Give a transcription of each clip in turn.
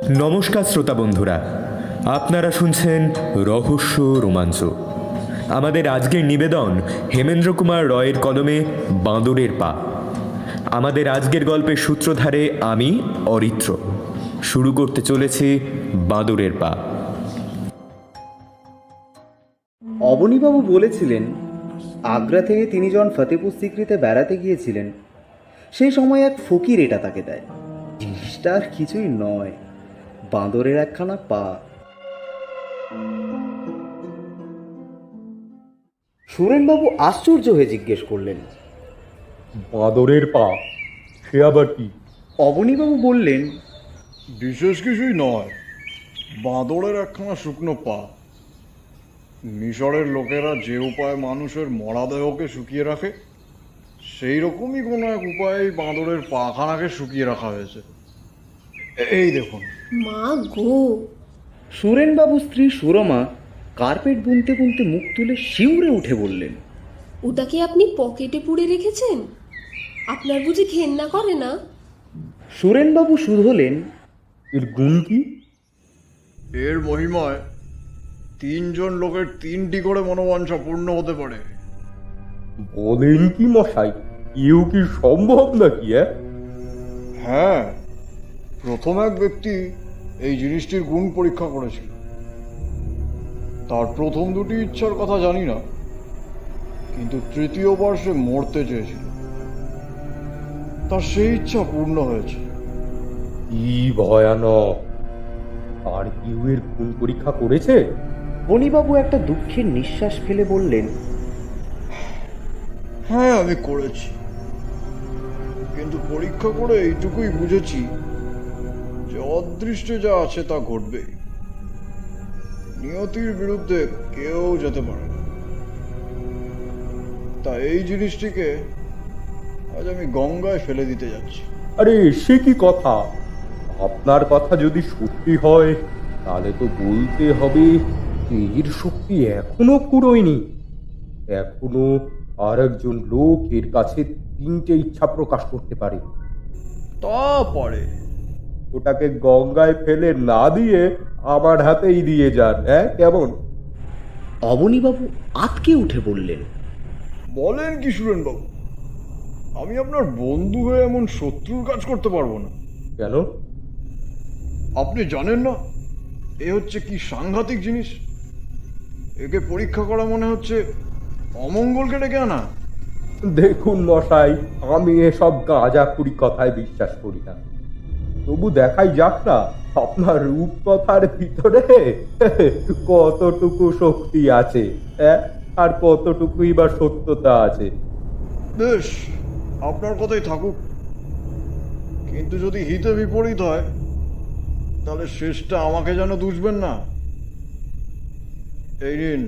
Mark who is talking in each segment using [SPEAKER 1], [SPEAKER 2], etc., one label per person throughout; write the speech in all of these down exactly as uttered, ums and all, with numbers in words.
[SPEAKER 1] নমস্কার শ্রোতা বন্ধুরা, আপনারা শুনছেন রহস্য রোমাঞ্চ। আমাদের আজকের নিবেদন হেমেন্দ্র কুমার রয়ের কলমে বাঁদরের পা। আমাদের আজকের গল্পের সূত্রধারে আমি অরিত্র। শুরু করতে চলেছি বাঁদরের পা।
[SPEAKER 2] অবনীবাবু বলেছিলেন, আগ্রা থেকে তিনি যখন ফতেপুর সিক্রিতে বেড়াতে গিয়েছিলেন, সেই সময় এক ফকির এটা তাকে দেয়। জিনিসটা আর কিছুই নয়, বাঁদরের একখানা পা। সুরেনবাবু আশ্চর্য হয়ে জিজ্ঞেস করলেন,
[SPEAKER 3] বাঁদরের পা? সে আবার কি?
[SPEAKER 2] অবনীবাবু বললেন,
[SPEAKER 4] বিশেষ কিছুই নয়, বাঁদরের একখানা শুকনো পা। মিশরের লোকেরা যে উপায়ে মানুষের মরাদেহকে শুকিয়ে রাখে, সেই রকমই কোনো এক উপায়ে বাঁদরের পাখানাকে শুকিয়ে রাখা হয়েছে। এই দেখুন।
[SPEAKER 5] মা গো!
[SPEAKER 2] সুরেনবাবু স্ত্রী সুরমা কার্পেট বুনতে বুনতে মুখ তুলে শিউরে উঠে বললেন,
[SPEAKER 5] ওটা কি আপনি পকেটে পুড়ে রেখেছেন? আপনার বুঝি ঘেন্না করে না?
[SPEAKER 2] সুরেনবাবু শুধলেন,
[SPEAKER 3] এর গুণ কি?
[SPEAKER 4] এর মহিমায় তিনজন লোকের তিনটি করে মনোবাঞ্ছা পূর্ণ হতে পারে।
[SPEAKER 3] বলেন কি মশাই? এও কি সম্ভব নাকি?
[SPEAKER 4] হ্যাঁ, প্রথম এক ব্যক্তি এই জিনিসটির গুণ পরীক্ষা করেছিল। তার প্রথম দুটি ইচ্ছার কথা জানি না, কিন্তু তৃতীয়বার সে মরতে চেয়েছিল। তার সেই ইচ্ছা পূর্ণ হয়েছে।
[SPEAKER 3] কি ভয়ানক! আর কেউ এর গুণ পরীক্ষা করেছে?
[SPEAKER 2] বনিবাবু একটা দুঃখের নিঃশ্বাস ফেলে বললেন,
[SPEAKER 4] হ্যাঁ, আমি করেছি, কিন্তু পরীক্ষা করে এইটুকুই বুঝেছি যে অদৃষ্টে যা আছে তা ঘটবে। নিয়তির বিরুদ্ধে কেউ যেতে পারে না। তা এই জিনিসটিকে আজ আমি গঙ্গায় ফেলে দিতে যাচ্ছি।
[SPEAKER 3] আরে সে কি কথা? আপনার কথা যদি সত্যি হয়, তাহলে তো বলতে হবে এর শক্তি এখনো ফুরোয়নি। এখনো আর একজন লোক এর কাছে তিনটে ইচ্ছা প্রকাশ করতে পারে।
[SPEAKER 4] তা পারে।
[SPEAKER 3] ওটাকে গঙ্গায় ফেলে না দিয়ে আমার হাতেই দিয়ে যান। হ্যাঁ, কেমন?
[SPEAKER 2] অবনীবাবু আতকে উঠে বললেন,
[SPEAKER 4] বলেন কি সুরেনবাবু, আমি আপনার বন্ধু হয়ে এমন শত্রুর কাজ করতে পারবো না।
[SPEAKER 3] কেন?
[SPEAKER 4] আপনি জানেন না এ হচ্ছে কি সাংঘাতিক জিনিস? একে পরীক্ষা করা মনে হচ্ছে অমঙ্গলকে ডেকে আনা।
[SPEAKER 3] দেখুন মশাই, আমি এসব গাঁজাখুরি কথায় বিশ্বাস করি না। তবু দেখাই যাক না আপনার রূপকথার ভিতরে কতটুকু শক্তি আছে, হ্যাঁ, আর কতটুকুই বা সত্যতা আছে।
[SPEAKER 4] বেশ, আপনার কথাই থাকুক, কিন্তু যদি হিতে বিপরীত হয় তাহলে শেষটা আমাকে যেন দুষবেন না। এই নিন।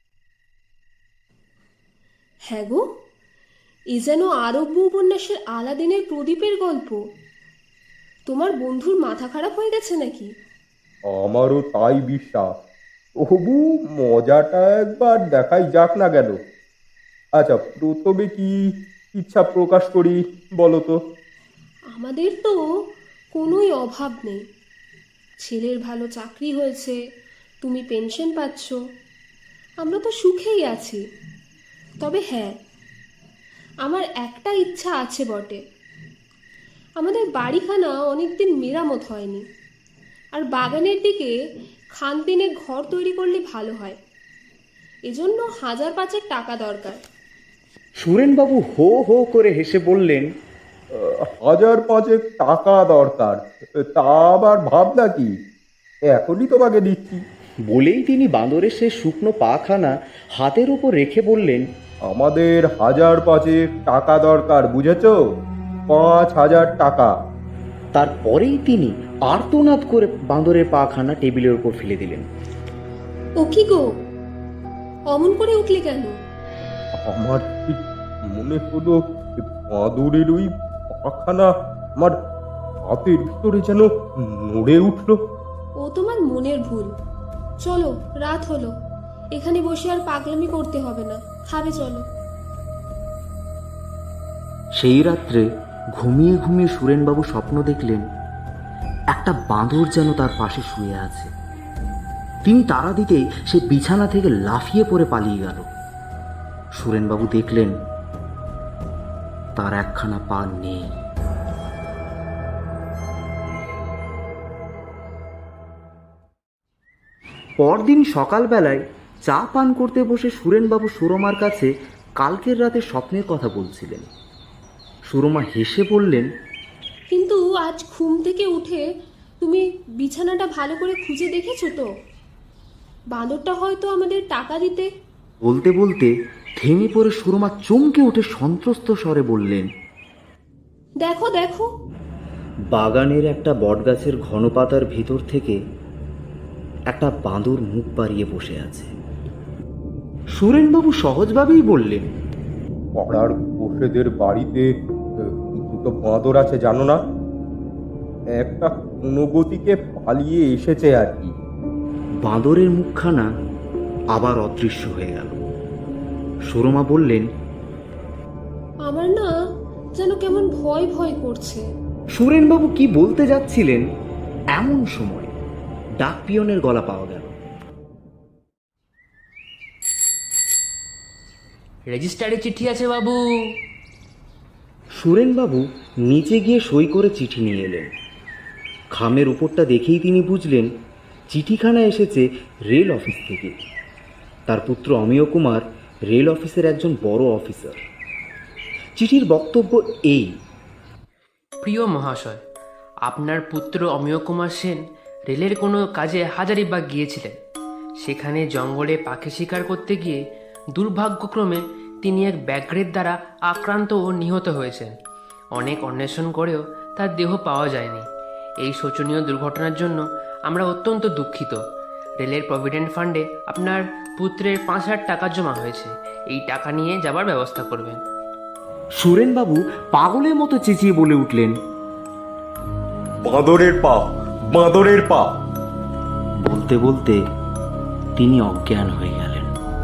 [SPEAKER 5] হ্যাঁ গো, এ যেন আরব্য উপন্যাসের আলাদিনের প্রদীপের গল্প। তোমার বন্ধুর মাথা খারাপ হয়ে গেছে নাকি?
[SPEAKER 3] আমারও তাই বিশ্বাস। তবু মজাটা একবার দেখাই যাক না গেল। আচ্ছা, প্রথমে কি ইচ্ছা প্রকাশ করি বলো তো?
[SPEAKER 5] আমাদের তো কোনোই অভাব নেই। ছেলের ভালো চাকরি হয়েছে, তুমি পেনশন পাচ্ছ, আমরা তো সুখেই আছি। তবে হ্যাঁ, আমার একটা ইচ্ছা আছে বটে। আমাদের বাড়িখানা অনেকদিন মেরামত হয়নি, আর বাগানের দিকে খানতিনে ঘর তৈরি করলে ভালো হয়। এজন্য হাজার পাঁচেক টাকা দরকার।
[SPEAKER 2] সুরেনবাবু হো হো করে হেসে বললেন,
[SPEAKER 3] হাজার পাঁচেক টাকা দরকার? তা আবার ভাবনা কি? এখনই তোমাকে দিচ্ছি।
[SPEAKER 2] বলেই তিনি বাঁদরের সে শুকনো পাখানা হাতের উপর রেখে বললেন,
[SPEAKER 3] আমাদের হাজার পাঁচেক টাকা দরকার, বুঝেছো? পাঁচ হাজার টাকা।
[SPEAKER 2] তারপরেই তিনি আর্তনাদ করে বাঁদরের পাখানা টেবিলের উপর ফেলে দিলেন।
[SPEAKER 5] ও কি গো, অমন করে উঠলে কেন?
[SPEAKER 3] আমার ঠিক মনে হলো বাঁদরের ওই পাখানা আমার হাতের ভিতরে যেন নড়ে উঠলো।
[SPEAKER 5] ও তোমার মনের ভুল। চলো, রাত হলো, এখানে বসে আর পাগলামি করতে হবে না, খাবে চলো।
[SPEAKER 2] সেই রাত্রে ঘুমিয়ে ঘুমিয়ে সুরেনবাবু স্বপ্ন দেখলেন, একটা বাঁদর যেন তার পাশে শুয়ে আছে। তিনি তাড়া দিতেই সে বিছানা থেকে লাফিয়ে পড়ে পালিয়ে গেল। সুরেনবাবু দেখলেন তার একখানা পা নেই। পরদিন সকালবেলায় চা পান করতে বসে সুরেনবাবু সুরমার কাছে কালকের রাতে স্বপ্নের কথা বলছিলেন। সুরমা হেসে বললেন,
[SPEAKER 5] কিন্তু আজ ঘুম থেকে উঠে তুমি বিছানাটা ভালো করে খুঁজে দেখেছো তো? বাঁদরটা হয়তো আমাদের টাকা দিতে।
[SPEAKER 2] বলতে বলতে থেমে পড়ে সুরমা চমকে উঠে সন্ত্রস্ত স্বরে বললেন,
[SPEAKER 5] দেখো দেখো।
[SPEAKER 2] বাগানের একটা বটগাছের ঘন পাতার ভিতর থেকে একটা বাঁদর মুখ বাড়িয়ে বসে আছে। সুরেনবাবু সহজভাবেই বললেন,
[SPEAKER 3] পাড়ার বসেদের বাড়িতে আহ, দুটো বাঁদর আছে জানো না? একটা কোনো গতিকে পালিয়ে এসেছে আর কি।
[SPEAKER 2] বাঁদরের মুখখানা আবার অদৃশ্য হয়ে গেল। সুরমা বললেন,
[SPEAKER 5] আমার না যেন কেমন ভয় ভয় করছে।
[SPEAKER 2] সুরেনবাবু কি বলতে যাচ্ছিলেন এমন সময় ডাক পিয়নের গলা পাওয়া গেল।
[SPEAKER 6] রেজিস্টারে চিঠি আছে বাবু।
[SPEAKER 2] সুরেনবাবু নিচে গিয়ে সই করে চিঠি নিয়ে এলেন। খামের উপরটা দেখেই তিনি বুঝলেন চিঠিখানা এসেছে রেল অফিস থেকে। তার পুত্র অমিয় কুমার রেল অফিসের একজন বড় অফিসার। চিঠির বক্তব্য এই:
[SPEAKER 6] প্রিয় মহাশয়, আপনার পুত্র অমিয় কুমার সেন রেলের কোনো কাজে হাজারিবাগ গিয়েছিলেন। সেখানে জঙ্গলে পাখি শিকার করতে গিয়ে দুর্ভাগ্যক্রমে তিনি এক ব্যাঘ্রের দ্বারা আক্রান্ত ও নিহত হয়েছেন। অনেক অন্বেষণ করেও তার দেহ পাওয়া যায়নি। এই শোচনীয় দুর্ঘটনার জন্য আমরা অত্যন্ত দুঃখিত। রেলের প্রভিডেন্ট ফান্ডে আপনার পুত্রের পাঁচ হাজার টাকা জমা হয়েছে। এই টাকা নিয়ে যাবার ব্যবস্থা করবেন।
[SPEAKER 2] সুরেনবাবু পাগলের মতো চেঁচিয়ে বলে উঠলেন,
[SPEAKER 3] বাঁদরের পা, বাঁদরের পা।
[SPEAKER 2] বলতে বলতে তিনি অজ্ঞান হয়ে গেলেন।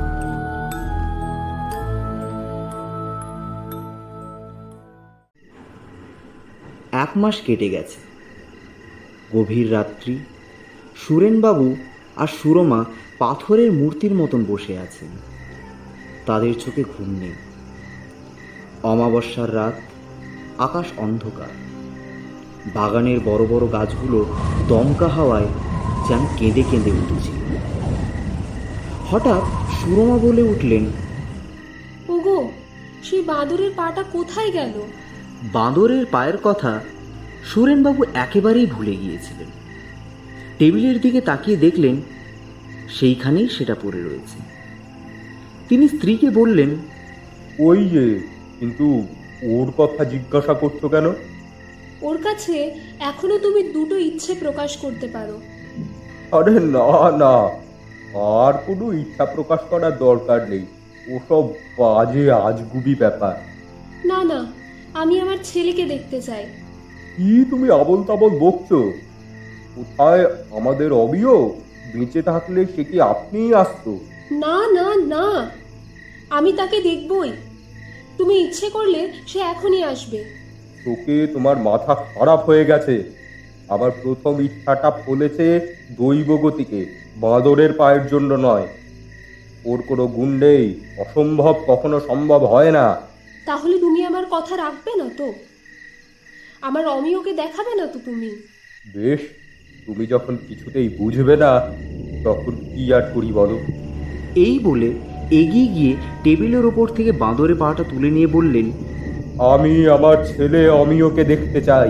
[SPEAKER 2] এক মাস কেটে গেছে। গভীর রাত্রি। সুরেনবাবু আর সুরমা পাথরের মূর্তির মতন বসে আছেন। তাদের চোখে ঘুম নেই। অমাবস্যার রাত, আকাশ অন্ধকার। বাগানের বড় বড় গাছগুলো দমকা হাওয়ায় যেন কেঁদে কেঁদে উঠেছিল। হঠাৎ সুরমা বলে উঠলেন,
[SPEAKER 5] ওগো, সেই বাঁদরের পাটা কোথায় গেল?
[SPEAKER 2] বাঁদরের পায়ের কথা সুরেনবাবু একেবারেই ভুলে গিয়েছিলেন। টেবিলের দিকে তাকিয়ে দেখলেন সেইখানেই সেটা পড়ে রয়েছে। তিনি স্ত্রীকে বললেন,
[SPEAKER 3] ওই যে, কিন্তু ওর কথা জিজ্ঞাসা করছো কেন?
[SPEAKER 5] ওর কাছে এখনো তুমি দুটো ইচ্ছে প্রকাশ করতে পারো।
[SPEAKER 3] আরে না না, আর কোনো ইচ্ছা প্রকাশ করার দরকার নেই। ওসব বাজে আজগুবি ব্যাপার।
[SPEAKER 5] না না, আমি আমার ছেলেকে দেখতে চাই।
[SPEAKER 3] কি তুমি আবল তাবল বকছো? কোথায় আমাদের অবিয়? বেঁচে থাকলে সে কি আপনিই আসতো?
[SPEAKER 5] না না না, আমি তাকে দেখবই। তুমি ইচ্ছে করলে সে এখনই আসবে।
[SPEAKER 3] তোকে তোমার মাথা খারাপ হয়ে গেছে। আবার প্রথম ইচ্ছাটা ফলেছে দৈব গতিকে, বাঁদরের পায়ের জন্য নয়। ওর কোনো গুণ নেই, অসম্ভব কখনো সম্ভব হয় না।
[SPEAKER 5] তাহলে তুমি আমার কথা রাখবে না তো? আমার অমিয়কে দেখাবে না তো তুমি?
[SPEAKER 3] বেশ, তুমি যখন কিছুতেই বুঝবে না, তখন কি আর করি বলো।
[SPEAKER 2] এই বলে এগিয়ে গিয়ে টেবিলের ওপর থেকে বাঁদরের পাটা তুলে নিয়ে বললেন,
[SPEAKER 3] আমি আমার ছেলে অমিয়কে দেখতে চাই।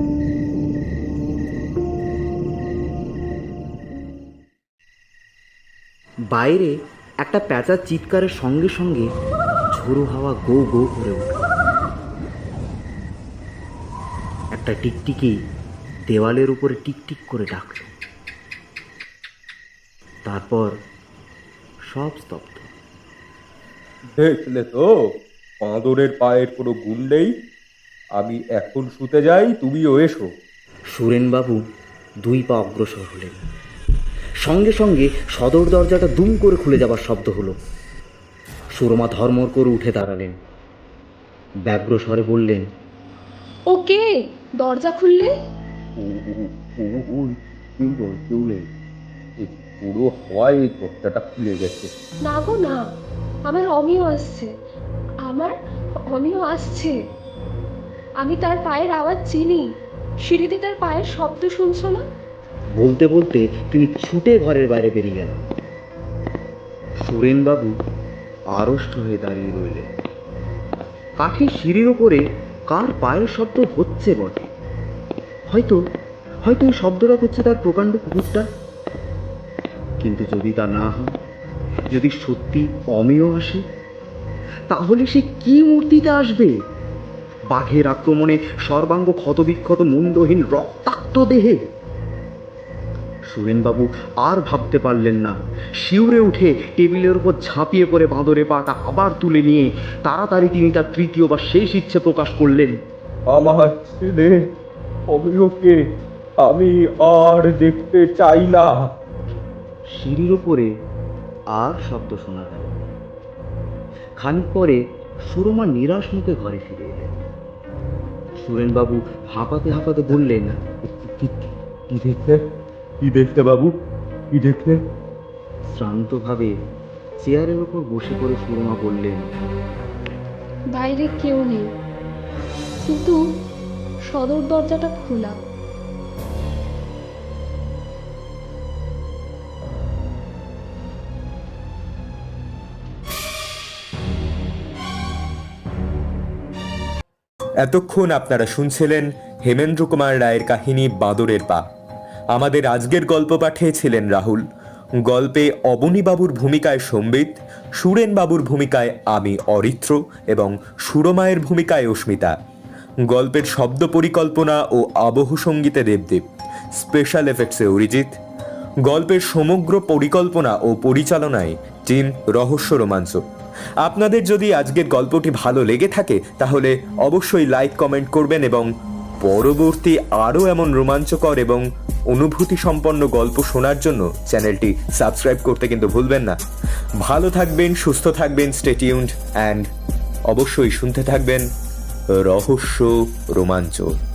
[SPEAKER 2] বাইরে একটা প্যাঁচার চিৎকারের সঙ্গে সঙ্গে ঝোড়ো হাওয়া গো গো করে উঠল। একটা টিকটিকি দেওয়ালের উপরে টিকটিক করে ডাকল। তারপর সব স্তব্ধ।
[SPEAKER 3] দেখলে তো, বাঁদরের পায়ের কোনো গুণ নেই। আমি এখন শুতে যাই, তুমিও এসো।
[SPEAKER 2] সুরেনবাবু দুই পা অগ্রসর হলেন। সঙ্গে সঙ্গে সদর দরজাটা দুম করে খুলে যাবার শব্দ হলো। সুরমা ধর্মর করে উঠে দাঁড়ালেন। ব্যগ্র স্বরে বললেন,
[SPEAKER 5] ওকে, দরজা খুললে?
[SPEAKER 3] ও- ও- ও ওই কিন্তু চলে এই পুরো হয় এই তথ্যটা খুলে গেছে।
[SPEAKER 5] না গো না, আমার অমিয় আসছে, আমার অমিয় আসছে। আমি তার পায়ের আওয়াজ চিনি, সিঁড়িতে তার পায়ের শব্দ শুনছো না?
[SPEAKER 2] বলতে বলতে তিনি ছুটে ঘরের বাইরে বেরিয়ে গেলেন। সুরেনবাবু আড়ষ্ট হয়ে দাঁড়িয়ে রইলেন। কাঠের সিঁড়ির ওপরে কার পায়ের শব্দ হচ্ছে বটে, হয়তো হয়তো এই শব্দটা হচ্ছে তার প্রকাণ্ড কুকুরটা। কিন্তু যদি তা না হয়, যদি সত্যি অমিয় আসে, তাহলে সে কি মূর্তিতে আসবে? বাঘের আক্রমণে সর্বাঙ্গ ক্ষতবিক্ষত মুন্ডহীন রক্তাক্ত দেহে? সুরেনবাবু আর ভাবতে পারলেন না। শিউরে উঠে টেবিলের উপর ঝাঁপিয়ে পড়ে বাঁদরে পাটা আবার তুলে নিয়ে তাড়াতাড়ি তিনি তার তৃতীয় বা শেষ ইচ্ছে প্রকাশ করলেন।
[SPEAKER 3] আমার ছেলে অমিয়কে আমি আর দেখতে চাই না।
[SPEAKER 2] সিঁড়ির ওপরে আর শব্দ শোনা গেল। খানিক পরে সুরমা নিরাশ মুখে ঘরে ফিরে এলেন। সুরেনবাবু হাঁপাতে হাঁপাতে বললেন,
[SPEAKER 3] কি- কি দেখলে কি দেখলে বাবু, কি দেখলে?
[SPEAKER 2] শ্রান্তভাবে চেয়ারের ওপর বসে পড়ে সুরমা বললেন,
[SPEAKER 5] বাইরে কেউ নেই, কিন্তু সদর দরজাটা খোলা।
[SPEAKER 1] এতক্ষণ আপনারা শুনছিলেন হেমেন্দ্র কুমার রায়ের কাহিনী বাঁদরের পা। আমাদের আজকের গল্প পাঠিয়েছিলেন রাহুল। গল্পে অবনীবাবুর ভূমিকায় সম্বিত, সুরেনবাবুর ভূমিকায় আমি অরিত্র এবং সুরমায়ের ভূমিকায় অস্মিতা। গল্পের শব্দ পরিকল্পনা ও আবহ সঙ্গীতে দেবদেব, স্পেশাল এফেক্টসে অরিজিৎ। গল্পের সমগ্র পরিকল্পনা ও পরিচালনায় টিম রহস্য রোমাঞ্চ। আপনাদের যদি আজকের গল্পটি ভালো লেগে থাকে তাহলে অবশ্যই লাইক কমেন্ট করবেন এবং পরবর্তী আরও এমন রোমাঞ্চকর এবং অনুভূতি সম্পন্ন গল্প শোনার জন্য চ্যানেলটি সাবস্ক্রাইব করতে কিন্তু ভুলবেন না। ভালো থাকবেন, সুস্থ থাকবেন, স্টে টিউনড অ্যান্ড অবশ্যই শুনতে থাকবেন রহস্য রোমাঞ্চ।